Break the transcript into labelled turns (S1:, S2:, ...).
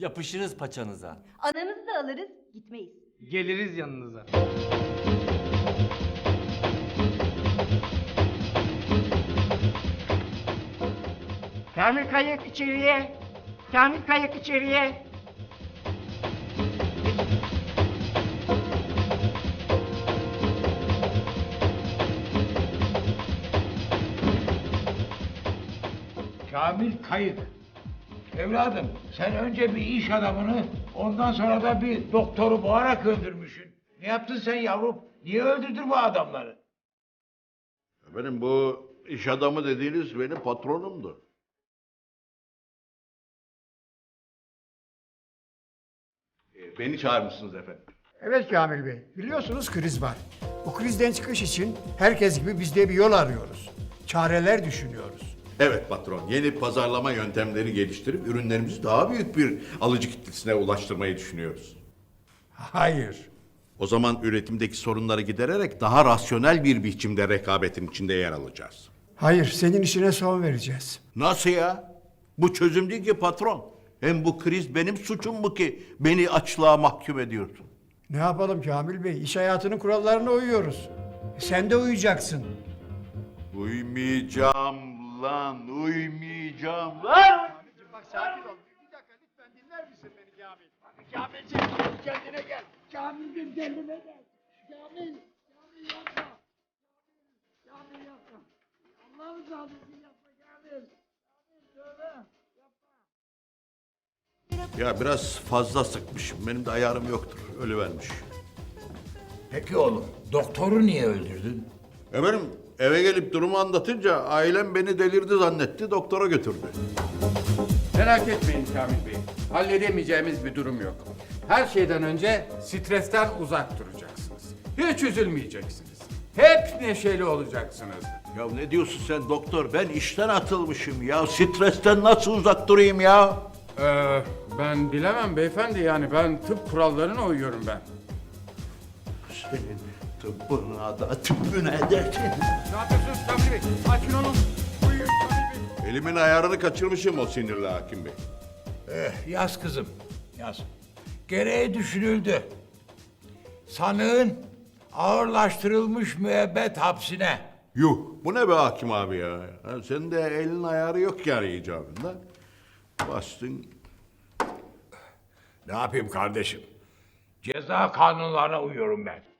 S1: Yapışırız paçanıza.
S2: Ananızı da alırız, gitmeyiz.
S3: Geliriz yanınıza.
S4: Kamil Kayık içeriye. Kamil Kayık içeriye.
S5: Kamil Kayık. Evladım sen önce bir iş adamını ondan sonra da bir doktoru boğarak öldürmüşsün. Ne yaptın sen yavrum? Niye öldürdün bu adamları?
S6: Benim bu iş adamı dediğiniz benim patronumdu.
S7: Beni çağırmışsınız efendim.
S8: Evet Kamil Bey, biliyorsunuz kriz var. Bu krizden çıkış için herkes gibi biz de bir yol arıyoruz. Çareler düşünüyoruz.
S6: Evet patron, yeni pazarlama yöntemleri geliştirip ürünlerimizi daha büyük bir alıcı kitlesine ulaştırmayı düşünüyoruz.
S8: Hayır.
S6: O zaman üretimdeki sorunları gidererek daha rasyonel bir biçimde rekabetin içinde yer alacağız.
S8: Hayır, senin işine son vereceğiz.
S6: Nasıl ya? Bu çözüm değil ki patron. Hem bu kriz benim suçum mu ki beni açlığa mahkum ediyorsun?
S8: Ne yapalım Kamil Bey, iş hayatının kurallarına uyuyoruz. Sen de uyacaksın.
S6: Uymayacağım lan, uymayacağım lan!
S8: Bak sakin ol. Bir dakika lütfen dinler misin beni Kamil? Kamilciğim kendine gel. Kamilciğim kendine gel. Kamil yapma. Kamil yapma. Allah'ın rızası için yapma Kamil. Kamil tövbe.
S6: Ya biraz fazla sıkmışım. Benim de ayarım yoktur. Ölüvermiş.
S5: Peki oğlum doktoru niye öldürdün?
S6: Efendim eve gelip durumu anlatınca ailem beni delirdi zannetti. Doktora götürdü.
S3: Merak etmeyin Kamil Bey. Halledemeyeceğimiz bir durum yok. Her şeyden önce stresten uzak duracaksınız. Hiç üzülmeyeceksiniz. Hep neşeli olacaksınız.
S6: Ya ne diyorsun sen doktor? Ben işten atılmışım ya. Stresten nasıl uzak durayım ya?
S3: Ben bilemem beyefendi, yani ben tıp kurallarına uyuyorum ben.
S6: Senin tıbbına da tüpüne dersin.
S3: Ne yapıyorsunuz Kamil Bey? Açın olun. Uyuyun Kamil Bey.
S6: Elimin ayarını kaçırmışım o sinirli hakim bey.
S5: Yaz kızım yaz. Gereği düşünüldü. Sanığın ağırlaştırılmış müebbet hapsine.
S6: Yuh bu ne be hakim abi ya? Ha, senin de elin ayarı yok yani icabında. Bastın.
S5: Ne yapayım kardeşim? Ceza kanunlarına uyuyorum ben.